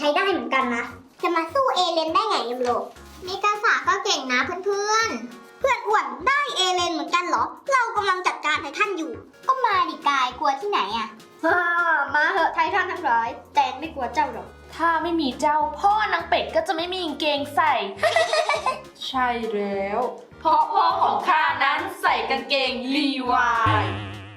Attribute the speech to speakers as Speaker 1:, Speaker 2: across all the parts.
Speaker 1: ช้ได้เหมือนกันนะจะมาสู้เอเลนได้ไงยูโรมิกาสาก็เก่งนะเพื่อนอ้วนได้เอเลนเหมือนกันเหรอเรากำลังจัดการไททันอยู่ก็มาดิกายกลัวที่ไหนอะมาเหอะไททันทั้งหลายแต่ไม่กลัวเจ้าหรอก
Speaker 2: ถ้าไม่มีเจ้าพ่อนางเป็ดก็จะไม่มีกางเกงใส่ ใช่แล้วเพราะพ่อของข้านั้นใส่กางเกงลีวาย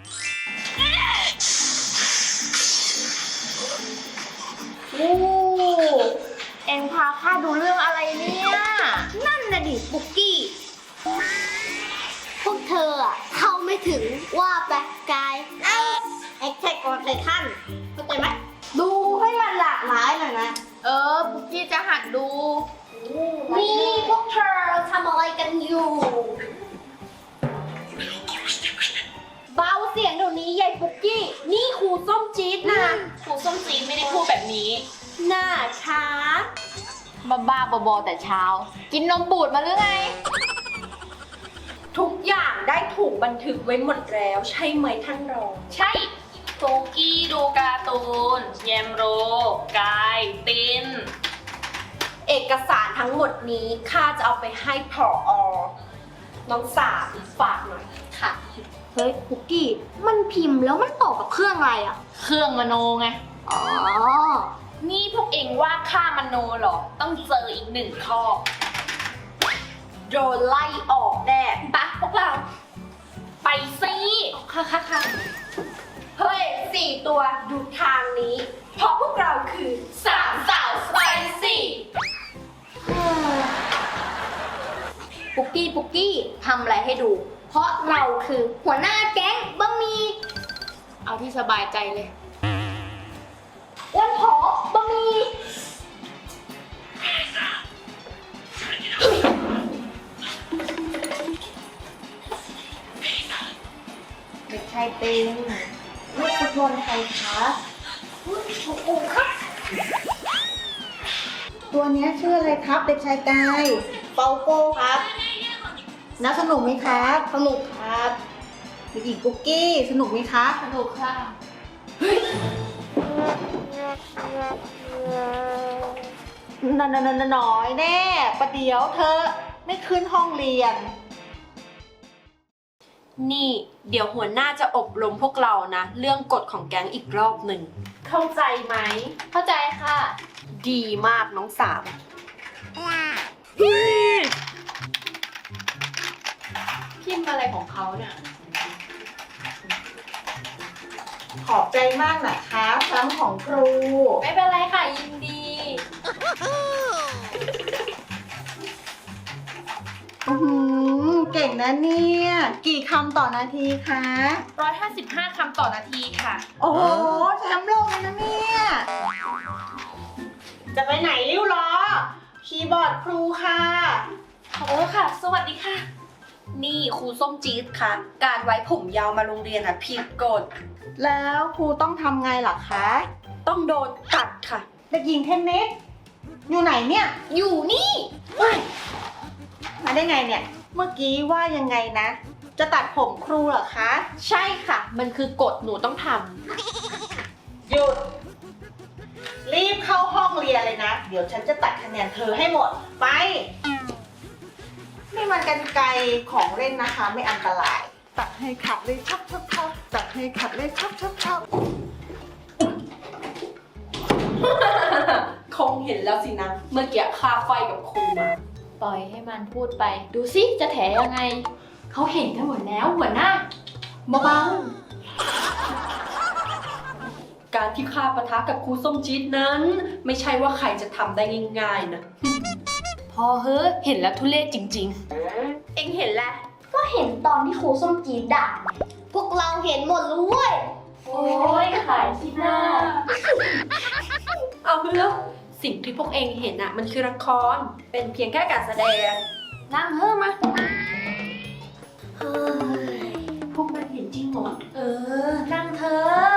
Speaker 2: โอ้เอ็งพาข้าดูเรื่องอะไรเนี่ย
Speaker 1: นั่นน่ะดิปุกกี้พวกเธออะเข้าไม่ถึงว่าแปลกายแอคแท็กออนไททันเข้าใจไหมดูให้มันหลากหลายหน่อยนะ
Speaker 2: ปุกกี้จะหัดดู
Speaker 1: นี่พวกเธอทำอะไรกันอยู่เบาเสียงเดี๋ยวนี้ยายปุกกี้นี่ครูส้มจี๊ดนะ
Speaker 2: ครูส้มจีนไม่ได้พูดแบบนี้
Speaker 1: หน้าช้า
Speaker 2: บ้าบอแต่เช้า กินนมบูดมาหรือไง
Speaker 3: ทุกอย่างได้ถูกบันทึกไว้หมดแล้วใช่ไหมท่านรอง
Speaker 2: ใช่ปุกกี้ดูการ์ตูนแยมโรกายติน
Speaker 3: เอกสารทั้งหมดนี้ข้าจะเอาไปให้ผอ.น้องสาวฝากหน่อย
Speaker 2: ค่ะ
Speaker 1: เฮ้ยปุกกี้มันพิมพ์แล้วมันต่อกับเครื่องอะไรอ่ะ
Speaker 2: เครื่องมโนไง
Speaker 1: อ๋อ
Speaker 2: นี่พวกเองว่าข้ามโนเหรอต้องเจออีกหนึ่งข้อ
Speaker 3: โดนไล่ออกแน่
Speaker 2: ปะพวกเราไปสิค่ะ
Speaker 3: เฮ้ย4 ตัวดูทางนี้เพราะพวกเราคือ3 สาวสไปซี่
Speaker 1: ปุกกี้ทำอะไรให้ดูเพราะเราคือหัวหน้าแก๊งบะหมี่
Speaker 2: เอาที่สบายใจเลย
Speaker 1: วันผอบะหมี่เด็กชายเต็งลูกฟุตบอลไทยคะโอ้ครับ
Speaker 4: ตัวนี้ชื่ออะไรครับเด็กชายกาย
Speaker 1: เปาโก้ครับ
Speaker 4: น่าสนุกไหมครับ
Speaker 1: สนุกครับ
Speaker 4: เด็กหญิงกุ๊กกี้สนุกไหมครับ
Speaker 2: สนุกค่ะ
Speaker 4: น้อยแน่ประเดี๋ยวเธอไม่ขึ้นห้องเรียน
Speaker 3: นี่เดี๋ยวหัวหน้าจะอบรมพวกเรานะเรื่องกฎของแก๊งอีกรอบหนึ่งเข้าใจไหม
Speaker 2: เข้าใจค่ะ
Speaker 3: ดีมากน้องสาว
Speaker 2: พิมพ์อะไรของเขาเนี่ย
Speaker 4: ขอบใจมากนะคะซ้ำของครู
Speaker 2: ไม่เป็นไรค่ะยินดี
Speaker 4: เก่งนะเนี่ยกี่คำต่อนาทีคะ
Speaker 2: 155 คำต่อนาทีค่ะ
Speaker 4: โอ้โหแชมป์โลกเลยนะเนี่ยจะไปไหนริ้วล้อคีย์บอร์ดครูค่ะ
Speaker 2: ค่ะสวัสดีค่ะ
Speaker 3: นี่ครูส้มจี๊ดค่ะการไว้ผมยาวมาโรงเรียนค่ะผิดกฎ
Speaker 4: แล้วครูต้องทำไงล่ะคะ
Speaker 3: ต้องโดนตัดค่ะ
Speaker 4: เด็กหญิงเทนนิสอยู่ไหนเนี่ย
Speaker 1: อยู่นี่
Speaker 4: มาได้ไงเนี่ยเมื่อกี้ว่ายังไงนะจะตัดผมครูเหรอคะ
Speaker 3: ใช่ค่ะมันคือกฎหนูต้องทำ
Speaker 4: หยุดรีบเข้าห้องเรียนเลยนะเดี๋ยวฉันจะตัดคะแนนเธอให้หมดไปนี่มันกรรไกรของเล่นนะคะไม่อันตรายตัดให้ขัดเลยชับตัดให้ขัดเลยชับ
Speaker 3: คงเห็นแล้วสินะเมื่อกี้ค่าไฟกับครูมา
Speaker 2: ปล่อยให้มันพูดไปดูสิจะแถยังไงเขาเห็นกันหมดแล้วหัวหน้าเบา
Speaker 3: การที่ข้าปะทะกับครูส้มจี๊ดนั้นไม่ใช่ว่าใครจะทำได้ง่ายๆนะ
Speaker 2: พอเฮ้เห็นแล้วทุเรศจริง
Speaker 3: ๆเอ็งเห็นแล้ว
Speaker 1: ก็เห็นตอนที่ครูส้มจี๊ดด่าพวกเราเห็นหมดเลยเว้ย
Speaker 2: โอ้ยขายที่หน้า
Speaker 3: เอาเรื่องสิ่งที่พวกเองเห็นอะมันคือละครเป็นเพียงแค่การแสดง
Speaker 2: นั่งเฮ้มา
Speaker 3: พวกมันเห็นจริงเหรอ
Speaker 2: นั่งเถอะ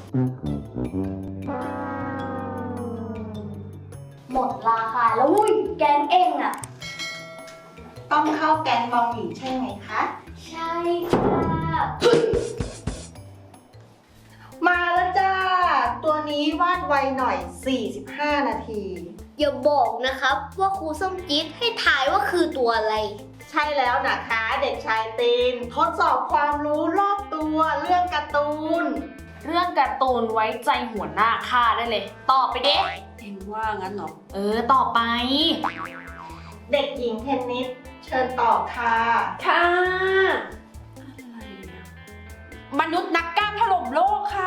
Speaker 1: หมดราคาแล้วอุ้ยแกงเองอะ
Speaker 4: ต้องเข้าแกงบองหมี่ใช่ไหมคะ
Speaker 1: ใช่ค่ะ
Speaker 4: มาแล้วจ้าตัวนี้วาดไวหน่อย 45 นาที
Speaker 1: อย่าบอกนะครับว่าครูส้มจี๊ดให้ทายว่าคือตัวอะไร
Speaker 4: ใช่แล้วนะคะเด็กชายตีนทดสอบความรู้รอบตัวเรื่องการ์ตูน
Speaker 2: เรื่องการ์ตูนไว้ใจหัวหน้าข้าได้เลย ตอบไปเด้
Speaker 3: เอ็งว่างั้นเหรอ
Speaker 2: ตอบไป
Speaker 4: เด็กหญิงเทนนิสเชิญตอบค่ะ
Speaker 3: ค่ะอะไรอะมนุษย์นักกล้ามถล่มโลกค่ะ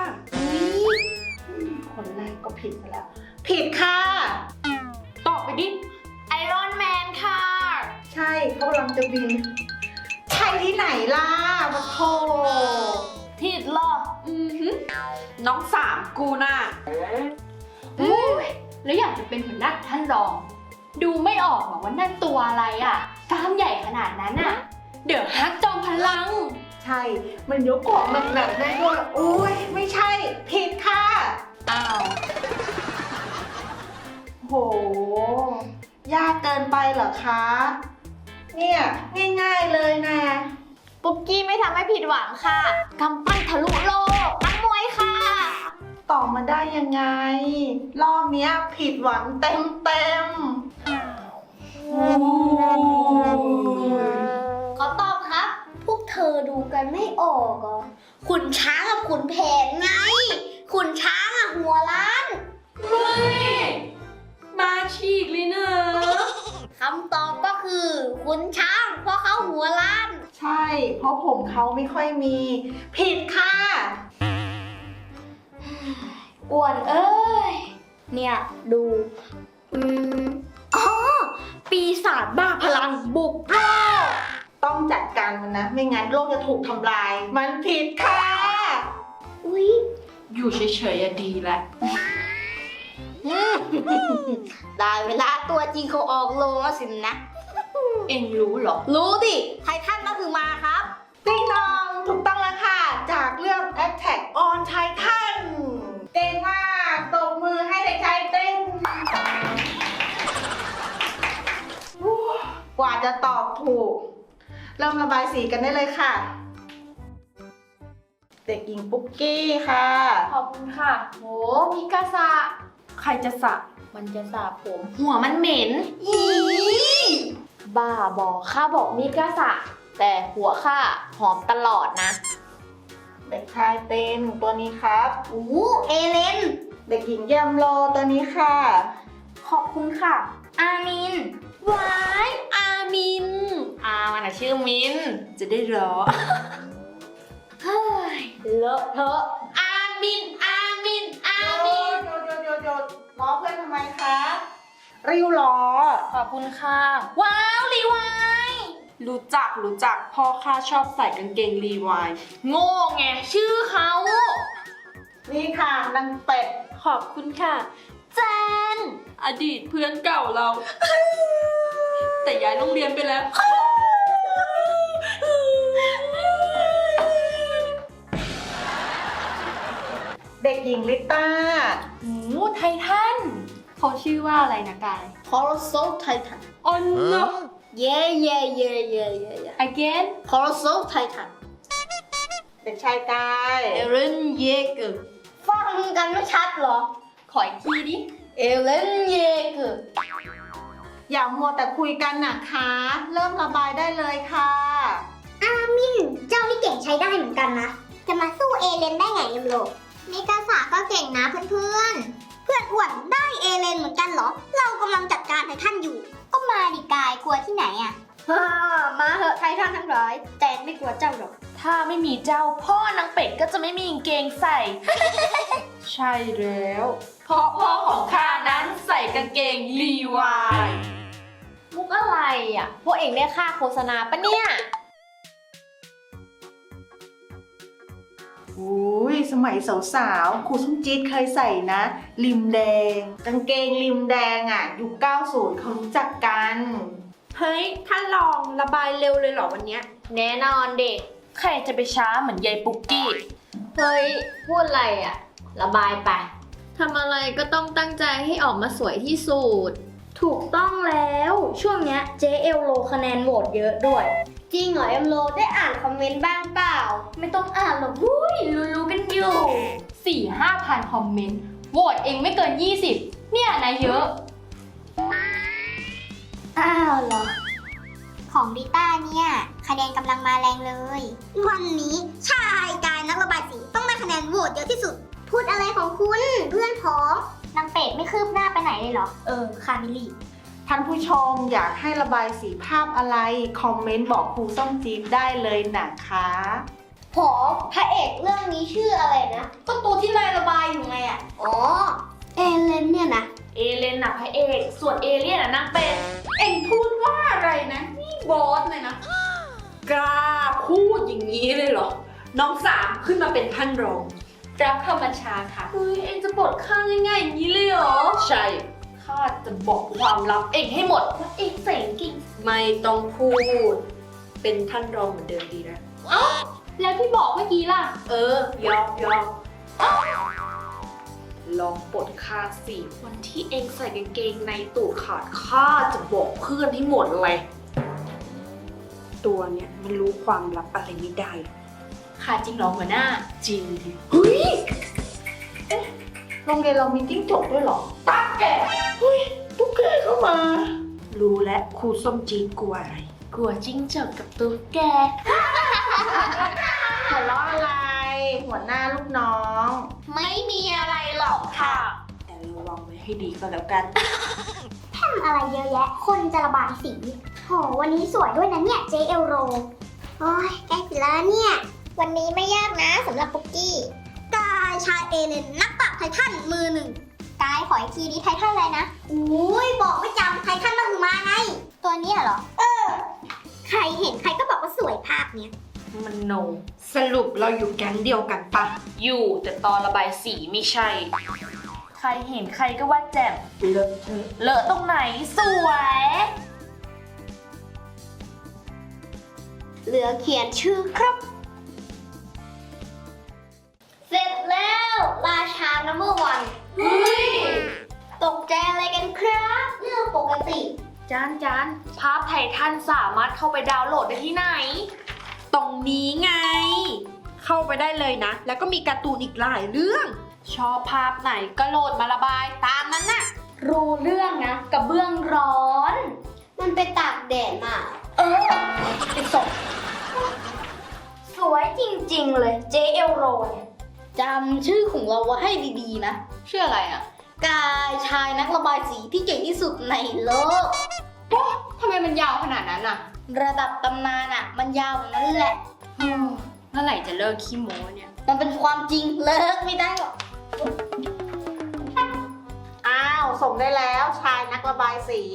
Speaker 4: คนแรกก็ผิดไปแล้ว ผิดค่ะ
Speaker 2: ตอบไปดิ ไอรอนแมนค่ะ
Speaker 4: ใช่เขากำลังจะบิน ใช่ที่ไหนล่ะมาโท
Speaker 2: ผิดเหรอ
Speaker 3: น้องสามกูน่ะ
Speaker 5: แล้วอยากจะเป็นหัวหน้าท่านรอง ดูไม่ออกหรอกว่านั่นตัวอะไรอ่ะกล้ามใหญ่ขนาดนั้นอ่ะ เดี๋ยวฮักจอมพลัง
Speaker 4: ใช่ มันยกของหนักๆได้ด้วยโอ้ยไม่ใช่ ผิดค่ะ
Speaker 2: อ้าว
Speaker 4: โห ยากเกินไปเหรอคะ เนี่ยง่ายๆเลยนะ
Speaker 5: ปุกกี้ไม่ทำให้ผิดหวังค่ะกำปั้นทะลุโลกนักมวยค่ะ
Speaker 4: ตอบมาได้ยังไง รอบเนี้ยผิดหวังเต็ม
Speaker 1: ขอตอบครับ พวกเธอดูกันไม่ออกเหรอขุนช้างกับขุนแผนไง ขุนช้างอะหัวล้าน
Speaker 3: มาฉีกเลยนะ
Speaker 1: คำตอบก็คือขุนช้างเพราะเขาหัวล้าน
Speaker 4: ๆ ใช่ เพราะผมเขาไม่ค่อยมี ผิดค่ะ
Speaker 1: อ้วนเอ้ย เนี่ยดูอ๋อ ปีศาจบ้าพลังบุกโลก
Speaker 4: ต้องจัดการมันนะ ไม่งั้นโลกจะถูกทำลาย มันผิดค่ะ
Speaker 1: อุ๊ย
Speaker 2: อยู่เฉยๆอะดีแหละ
Speaker 1: ได้เวลาตัวจริงเขาออกโลงแล้วสินะ
Speaker 2: เอ็งรู้เหรอ
Speaker 1: รู้ดิ ไททันก็คือมาครับ
Speaker 4: ติ๊งนองถูกต้องแล้วค่ะ จากเรื่อง Attack on Titan เก่งมากตบมือให้เด็กชายติ๊งกว่าจะตอบถูก เริ่มระบายสีกันได้เลยค่ะ เด็กหญิงปุ๊กกี้ค่ะ
Speaker 5: ขอบคุณค่ะ โหมิกาซะ
Speaker 2: ใครจะสระ
Speaker 5: มันจะสาผม
Speaker 2: หัวมันเหม็น
Speaker 5: บ้าบอกข้าบอกมิกาซะแต่หัวข้าหอมตลอดนะ
Speaker 4: เด็กชายเต้นตัวนี้ครับ
Speaker 1: เอเลน
Speaker 4: เด็กหญิงแยมโลตัวนี้ค่ะ
Speaker 2: ขอบคุณค่ะ
Speaker 1: อามิน
Speaker 2: ว้าย อามิน มันอะชื่อมิน จะได้รอ
Speaker 1: เฮ้ย เลอะเทอะ
Speaker 2: อามิน อามิน อา
Speaker 4: ห
Speaker 2: มิน
Speaker 4: ยุดล้อเพื่อนทำไมคะริ้วล้อ
Speaker 2: ขอบคุณค่ะ ว้าวรีวาย
Speaker 3: รู้จักพ่อข้าชอบใส่กางเกงรีวาย
Speaker 2: โง่ไง ชื่อเขา
Speaker 4: นี่ค่ะนางเป็ด
Speaker 3: ขอบคุณค่ะ แจน อดีตเพื่อนเก่าเรา แต่ย้ายโรงเรียนไปแล้ว
Speaker 4: เด็กหญิงลิต้า
Speaker 2: ไททัน
Speaker 5: เขาชื่อว่าอะไรนะกาย
Speaker 1: คอร์โซไททัน
Speaker 3: อ๋อเนอะ
Speaker 1: เย่
Speaker 5: again
Speaker 1: คอร์โซไททัน
Speaker 4: เด็กชายกาย
Speaker 5: เอเลนเยเกอร์
Speaker 1: ฟังกันไม่ชัดเหรอ
Speaker 5: ขออีกทีดิ
Speaker 1: เอเลนเยเกอร์
Speaker 4: อย่ามัวแต่คุยกันนะคะ เริ่มระบายได้เลยค่ะ
Speaker 1: อามิน เจ้านี่เก่งใช้ได้เหมือนกันนะ จะมาสู้เอเลนได้ไงยมโลมิกาสาก็เก่งนะเพื่อนอ้วนได้เอเลนเหมือนกันเหรอ เรากำลังจัดการไททันอยู่ ก็มาดิกายกลัวที่ไหนอะมาเหอะไททันทั้งร้อยแต่ไม่กลัวเจ้าหรอก
Speaker 2: ถ้าไม่มีเจ้าพ่อนางเป็ดก็จะไม่มีกางเกงใส่ ใช่แล้ว เพราะพ่อของข้านั้นใส่กางเกงรีวาย
Speaker 5: มุกอะไรอ่ะ พวกเองได้ค่าโฆษณาปะเนี่ย
Speaker 4: อุ้ยสมัยสาวๆครูส้มจี๊ดเคยใส่นะ ริมแดง กางเกงริมแดงอ่ะยุค90เขารู้จักกัน
Speaker 3: เฮ้ย ท่านลองระบายเร็วเลยเหรอวันเนี้ย
Speaker 5: แน่นอนเด็ก
Speaker 2: ใครจะไปช้าเหมือนยายปุกกี้
Speaker 5: เฮ้ย พูดอะไรอ่ะ ระบายไป ทำอะไรก็ต้องตั้งใจให้ออกมาสวยที่สุด
Speaker 1: ถูกต้องแล้ว ช่วงเนี้ยเจเอลโลคะแนนโหวตเยอะด้วย จริงเหรอเอมโลได้อ่านคอมเมนต์บ้างเปล่า ไม่ต้องอ่านหรอกวุ้ยรู้ๆกันอยู่
Speaker 5: 4-5 พันคอมเมนต์โหวตเองไม่เกิน 20 เนี่ยนายเยอะ
Speaker 1: อ้าวเหรอ ของริต้าเนี่ยคะแนนกำลังมาแรงเลย วันนี้ชายกายนักระบายสีต้องได้คะแนนโหวตเยอะที่สุด พูดอะไรของคุณเพื่อนพ้องนางเป็ดไม่คืบหน้าไปไหนเลยเหรอ คามิลี่
Speaker 4: ท่านผู้ชมอยากให้ระบายสีภาพอะไร คอมเมนต์บอกครูส้มจี๊ดได้เลยนะคะ
Speaker 1: ผอพระเอกเรื่องนี้ชื่ออะไรนะ ก็ตัวที่นายระบายอยู่ไงอ่ะ อ๋อ เอเลนเนี่ยนะ
Speaker 2: เอเลนน่ะพระเอก ส่วนเอเลี่ยนน่ะนางเป็ด
Speaker 3: เอ็งพูดว่าอะไรนะ นี่บอสเลยนะ กล้าพูดอย่างนี้เลยเหรอ น้องสามขึ้นมาเป็นท่านรอง
Speaker 5: รับคำบัญชาค่ะ
Speaker 2: เฮ้ย เองจะปลดข้างง่ายๆอย่างนี้เลยเหรอ
Speaker 3: ใช่
Speaker 2: ข้าจะบอกความลับเองให้หมดว่าเองเสงกิ่ง
Speaker 3: ไม่ต้องพูด เป็นท่านรองเหมือนเดิมดีนะ
Speaker 5: แล้วที่บอกเมื่อกี้ล่ะ
Speaker 3: ยอมลองปลดข้าสิ
Speaker 2: วันที่เองใส่กางเกงในตูดขาดข้าจะบอกเพื่อนให้หมดเลย
Speaker 3: ตัวเนี่ยมันรู้ความลับอะไรไม่ได้
Speaker 5: ค่ะจริงเหรอหัวหน้า
Speaker 3: จริงดิ
Speaker 4: โรงเรียนเรามีจิ้งจกด้วยเหรอ
Speaker 3: ตุ๊กแกเข้ามา รู้แล้วครูส้มจีนกลัวอะไร
Speaker 2: กลัวจิ้งจกกับตุ๊กแก
Speaker 4: หัวเราะอะไร หัวหน้าลูกน้อง
Speaker 2: ไม่มีอะไรหรอกค่ะ
Speaker 3: แต่ระวังไว้ให้ดีก็แล้วกัน
Speaker 1: ทำอะไรเยอะแยะ คนจะระบายสีโหวันนี้สวยด้วยนะเนี่ยเจเอลโร โอ้ยใกล้เสร็จแล้วเนี่ย วันนี้ไม่ยากนะสำหรับปุกกี้ กายชายเอเลนนักปราบไททันมือหนึ่ง กายขออีกทีนี้ไททันอะไรนะอุ้ยบอกไม่จำไททันมาหือมาไง ตัวเนี้ยเหรอ ใครเห็นใครก็บอกว่าสวยภาพเนี้ย
Speaker 2: มันโน
Speaker 3: สรุปเราอยู่แก๊งเดียวกันปะ
Speaker 2: อยู่แต่ตอนระบายสีไม่ใช่ ใครเห็นใครก็ว่าแจ่ม
Speaker 3: เลอะเทอะ
Speaker 2: เลอะตรงไหนสวย
Speaker 1: เหลือเขียนชื่อครับ เสร็จแล้วราชานัมเบอร์วัน
Speaker 2: เฮ้ย
Speaker 1: ตกใจอะไรกันครับ เรื่องปกติ
Speaker 2: จานภาพไททันสามารถเข้าไปดาวน์โหลดได้ที่ไหน
Speaker 3: ตรงนี้ไง เข้าไปได้เลยนะ แล้วก็มีการ์ตูนอีกหลายเรื่อง
Speaker 2: ชอบภาพไหนก็โหลดมาระบายตามนั้นน่ะ
Speaker 5: รู้เรื่องนะกระเบื้องร้อน
Speaker 1: มันไปตากแดดมา
Speaker 5: เป็นศพสวยจริงๆเลยเจเอลโรเนี่ยจำชื่อของเราไว้ให้ดีๆนะ ชื่ออะไรอ่ะ กายชายนักระบายสีที่เก่งที่สุดในโลกทำไมมันยาวขนาดนั้นอ่ะ ระดับตำนานอ่ะ มันยาวอย่างนั้นแหละเมื่อไหร่จะเลิกขี้โม้เนี่ย มันเป็นความจริงเลิกไม่ได้หรอก
Speaker 4: อ้าว ส่งได้แล้วชายนักระบายสี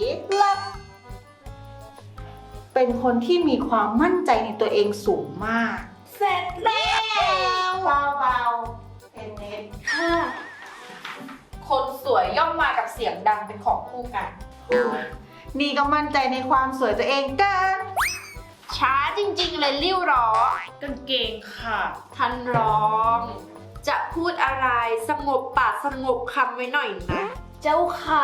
Speaker 4: เป็นคนที่มีความมั่นใจในตัวเองสูงมาก
Speaker 1: เสร็จแล้ว
Speaker 4: เบาๆเป็นเน็ต
Speaker 2: คนสวยย่อมมากับเสียงดังเป็นของคู่กัน
Speaker 4: นี่ก็มั่นใจในความสวยตัวเองเกิน
Speaker 2: ช้าจริงๆเลยริ้วหรอกางเกงค่ะท่านรอง จะพูดอะไรสงบปากสงบคำไว้หน่อยนะ เจ้าค่ะ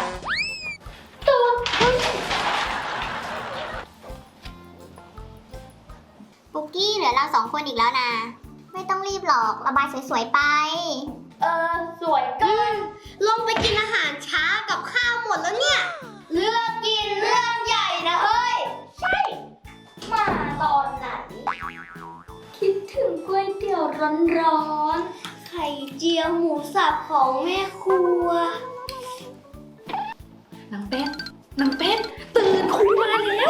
Speaker 1: ปุกกี้เหลือเรา2 คนอีกแล้วนะ ไม่ต้องรีบหรอกระบายสวยๆไป
Speaker 5: สวยเกิน
Speaker 1: ลงไปกินอาหารช้ากับข้าวหมดแล้วเนี่ย เลือกกินเรื่องใหญ่นะเฮ้ย ใช่ มาตอนไหน คิดถึงก๋วยเตี๋ยวร้อนๆ ไข่เจียวหมูสับของแม่ครัว
Speaker 2: นางเป็ดตื่นครูมาแล้ว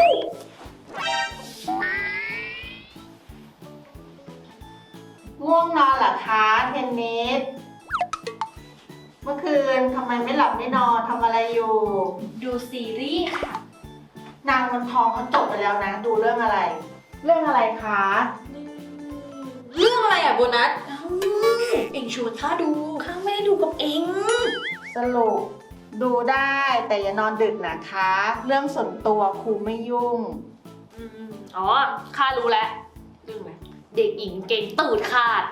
Speaker 4: ง่วงนอนเหรอคะเทนนิส เมื่อคืนทำไมไม่หลับไม่นอนทำอะไรอยู่
Speaker 2: ดูซีรีส์ค่ะ
Speaker 4: นางวันทองเขาจบไปแล้วนะ ดูเรื่องอะไร เรื่องอะไรคะ
Speaker 3: เรื่องอะไรอ่ะโบนัสเอ็งชวนข้าดูข้าไม่ได้ดูกับเอ็ง
Speaker 4: สรุปดูได้แต่อย่านอนดึกนะคะ เรื่องส่วนตัวครูไม่ยุ่ง
Speaker 2: อ๋อ ข้ารู้แล้ว
Speaker 3: เรื่องอะไร
Speaker 2: เด็กหญิงเก่งตูดขาด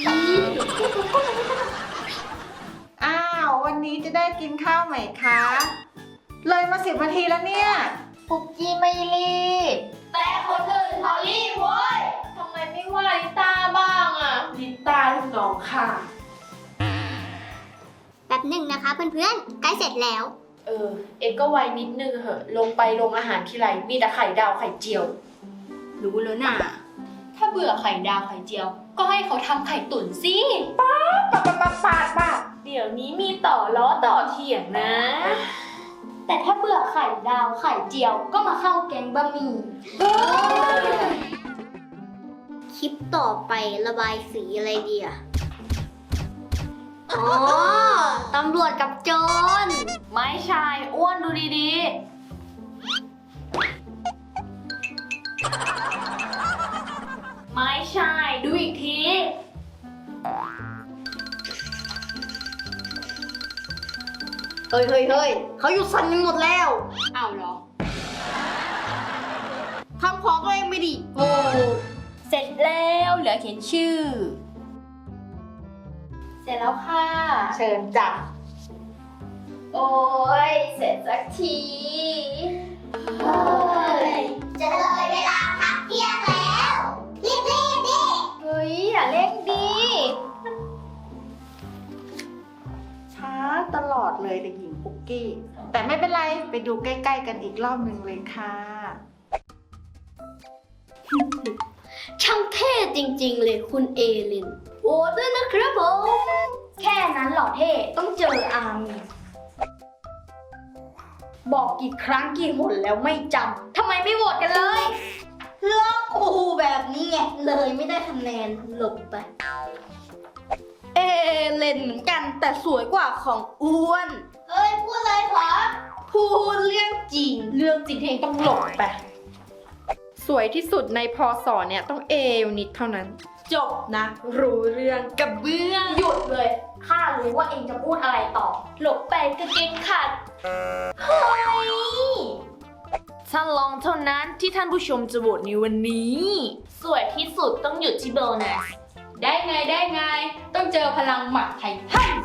Speaker 4: อ้าว วันนี้จะได้กินข้าวไหมคะ เลยมา10 นาทีแล้วเนี่ย
Speaker 5: ปุกกี้ไม่รีบ แต่คนอื่นเขารีบเว้ย ทำไมไม่ว่าลิต้าบ้างอ่ะ
Speaker 3: ลิต้าลูกน้องค่ะ
Speaker 1: แต่ป๊บหนึ่งนะคะเพื่อนๆ ใกล้เสร็จแล้ว
Speaker 2: เอ็กก็ไวนิดนึงเหอะ ลงไปลงอาหารทีไรมีแต่ไข่ดาวไข่เจียว
Speaker 5: รู้แล้วน่ะ ถ้าเบื่อไข่ดาวไข่เจียว ก็ให้เขาทำไข่ตุ๋นสิ
Speaker 2: ปาดเดี๋ยวนี้มีต่อล้อต่อเถียงนะ
Speaker 5: แต่ถ้าเบื่อไข่ดาวไข่เจียว ก็มาเข้าแกงบะหมี่
Speaker 1: คลิปต่อไประบายสีอะไรดีอะอ๋อ ตำรวจกับโจร
Speaker 2: ไม่ใช่อ้วนดูดีๆ ไม่ใช่ดูอีกที
Speaker 5: เฮ้ยเขาหยุดสั่นกันหมดแล้ว อ้าวเหรอ ทำของตัวเองไม่ดี โอ้ เสร็จแล้วเหลือเขียนชื่อ เสร็จแล้วค่ะ
Speaker 4: เชิญจ้ะ
Speaker 5: โอ้ย เสร็จสักที
Speaker 1: จะเลยเวลาพักเที่ยงแล้ว รีบดิ
Speaker 5: เฮ้ย อย่าเร่งดี
Speaker 4: ช้าตลอดเลยเด็กหญิงปุกกี้ แต่ไม่เป็นไร ไปดูใกล้ๆกันอีกรอบหนึ่งเลยค่ะ
Speaker 5: ช่างเท่จริงๆเลยคุณเอลิน โอ้ด้วยนะครับผม แค่นั้นเหรอเท่ ต้องเจออาร์มีบอกกี่ครั้งกี่หนแล้วไม่จำ ทำไมไม่โหวตกันเลยล็อกกูแบบนี้ไง เลยไม่ได้คะแนนหลบไป เอเลนเหมือนกันแต่สวยกว่าของอ้วน
Speaker 1: เอ้ย พูดเลยเหรอ
Speaker 5: พูดเรื่องจริง
Speaker 2: เรื่องจริงที่เองต้องหลบไป สวยที่สุดในพศเนี่ยต้องเอวนิดเท่านั้น จบนะ รู้เรื่องกับเบื้อง
Speaker 5: หยุดเลย ข้ารู้ว่าเองจะพูดอะไรต่อ หลบไปกางเกงขาด เฮ้ย
Speaker 2: ท่านลองเท่านั้นที่ท่านผู้ชมจะโหวตในวันนี้
Speaker 5: สวยที่สุดต้องหยุดที่โบนัส ได้ไง ต้องเจอพลังหมัดไททัน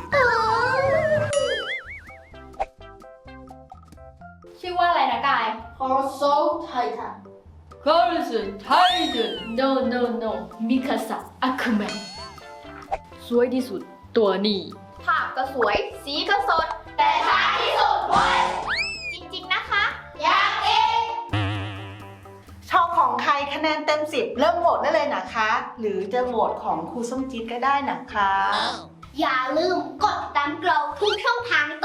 Speaker 5: ชื่อว่าอะไรนะกาย Corso Titan Corso Titan No Mikasa Akumen สวยที่สุดตัวนี้ภาพก็สวย สีก็สด แต่ท้ายที่สุดเว้ยจริงๆนะคะ อย่างเอง
Speaker 4: ชอบของใครคะแนนเต็ม 10 เริ่มโหวตได้เลยนะคะ หรือจะโหวตของครูส้มจี๊ดก็ได้นะคะ
Speaker 1: อย่าลืมกดติดตามเราทุกช่องทาง